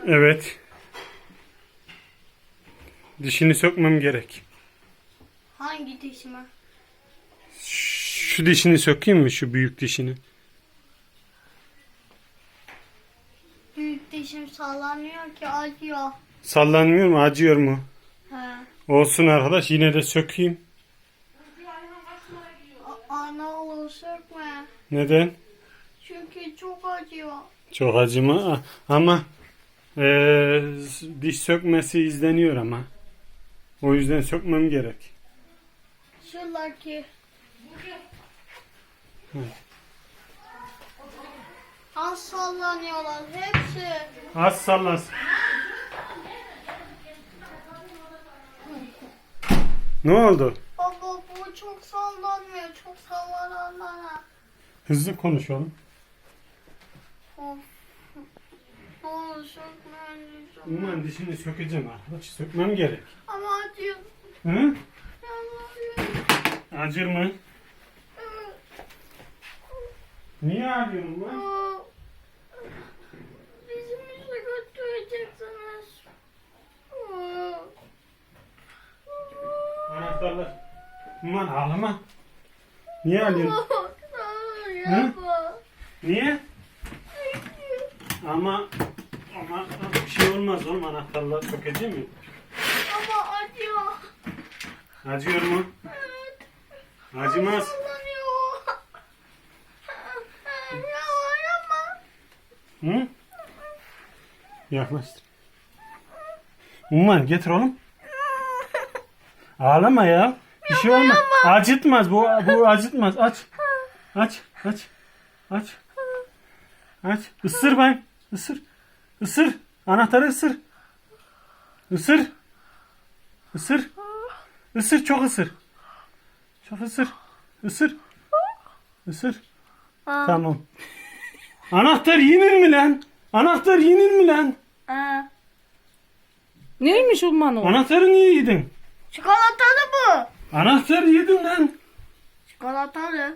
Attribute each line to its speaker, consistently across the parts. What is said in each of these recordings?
Speaker 1: Evet. Dişini sökmem gerek.
Speaker 2: Hangi dişime?
Speaker 1: Şu dişini sökeyim mi? Şu büyük dişini.
Speaker 2: Büyük dişim sallanıyor ki acıyor.
Speaker 1: Sallanmıyor mu? Acıyor mu?
Speaker 2: He.
Speaker 1: Olsun arkadaş. Yine de sökeyim.
Speaker 2: Ana olur sökme.
Speaker 1: Neden?
Speaker 2: Çünkü çok acıyor.
Speaker 1: Çok acıma. Ama diş sökmesi izleniyor ama. O yüzden sökmem gerek.
Speaker 2: Şuradaki.
Speaker 1: Evet.
Speaker 2: Az sallanıyorlar hepsi.
Speaker 1: Az sallansın. Ne oldu?
Speaker 2: Baba bu çok sallanmıyor. Çok sallananlara.
Speaker 1: Hızlı konuşalım.
Speaker 2: Of. Ne olur sökme lütfen.
Speaker 1: Ulan dişini sökeceğim arkadaş. Sökmem gerek.
Speaker 2: Ama acıyor.
Speaker 1: Hı?
Speaker 2: Yalvarıyorum.
Speaker 1: Acır mı? Niye ağrıyorsun lan?
Speaker 2: Bizim işe götüreceksiniz.
Speaker 1: Anahtarlar. Ulan ağlama. Niye ağlıyorsun?
Speaker 2: Yapma.
Speaker 1: Niye? Ama bir şey olmaz oğlum, anahtarlar sökeceğim mi?
Speaker 2: Ama acıyor.
Speaker 1: Acıyor mu?
Speaker 2: Evet.
Speaker 1: Acımaz.
Speaker 2: Sallanıyor. Yapma.
Speaker 1: Hı? Yaklaştır. Umman getir oğlum. Ağlama ya. Bir şey olmaz. Acıtmaz bu acıtmaz. Aç. Aç. Aç. Aç. Aç. Isır ben. Isır. Isır. Anahtarı ısır. Isır. Isır. Isır, çok ısır. Çok ısır. Isır. Isır. Tamam. Anahtar yenir mi lan? Anahtar yenir mi lan?
Speaker 3: Neymiş Umman o?
Speaker 1: Anahtarı niye yedin?
Speaker 2: Çikolatalı bu.
Speaker 1: Anahtarı yedin lan.
Speaker 2: Çikolatalı.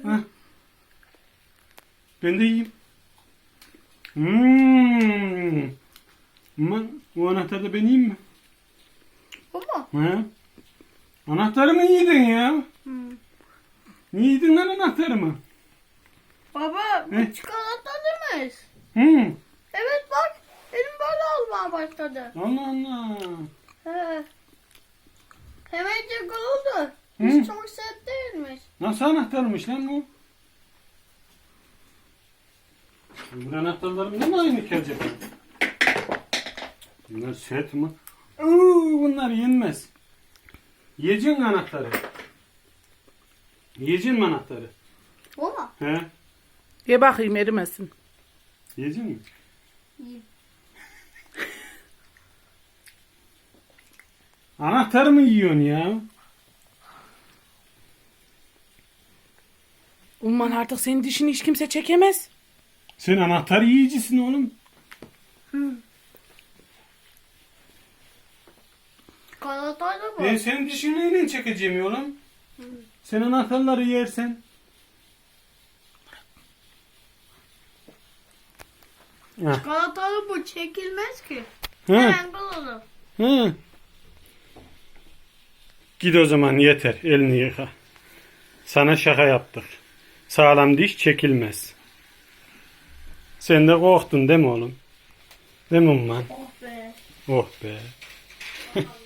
Speaker 1: Ben de yiyeyim. Aman, bu anahtarı da ben yiyeyim mi?
Speaker 2: Bu mu?
Speaker 1: He? Anahtarı mı yedin ya? Niye yedin lan anahtarımı?
Speaker 2: Baba bu
Speaker 1: Ne?
Speaker 2: çikolatalıymış.
Speaker 1: Hı.
Speaker 2: Evet bak. Elim böyle olmaya başladı.
Speaker 1: Allah Allah.
Speaker 2: He. Hemencik oldu.
Speaker 1: Hı?
Speaker 2: Hiç çok sert değilmiş.
Speaker 1: Nasıl anahtarmış lan bu? Bu anahtarlarım mı aynı ki acaba? Bunlar set mi? Bunlar yenmez. Yiyeceksin anahtarı. Yiyeceksin mi anahtarı?
Speaker 2: Bu mu?
Speaker 1: He?
Speaker 3: Ye bakayım erimesin.
Speaker 1: Yiyeceksin mi?
Speaker 2: Yiyeyim.
Speaker 1: Anahtarı mı yiyorsun ya?
Speaker 3: Umman artık senin dişini hiç kimse çekemez.
Speaker 1: Sen anahtar yiyicisin oğlum.
Speaker 2: Çikolatalı bu.
Speaker 1: Ben senin dişini neyle çekeceğim oğlum? Sen anahtarları yersen. Heh.
Speaker 2: Çikolatalı bu çekilmez ki.
Speaker 1: Hı.
Speaker 2: Hemen olur.
Speaker 1: Hı. Git o zaman, yeter. Elini yıka. Sana şaka yaptık. Sağlam diş çekilmez. Sen de korktun değil mi oğlum? Değil mi Umman?
Speaker 2: Oh be.
Speaker 1: Oh be.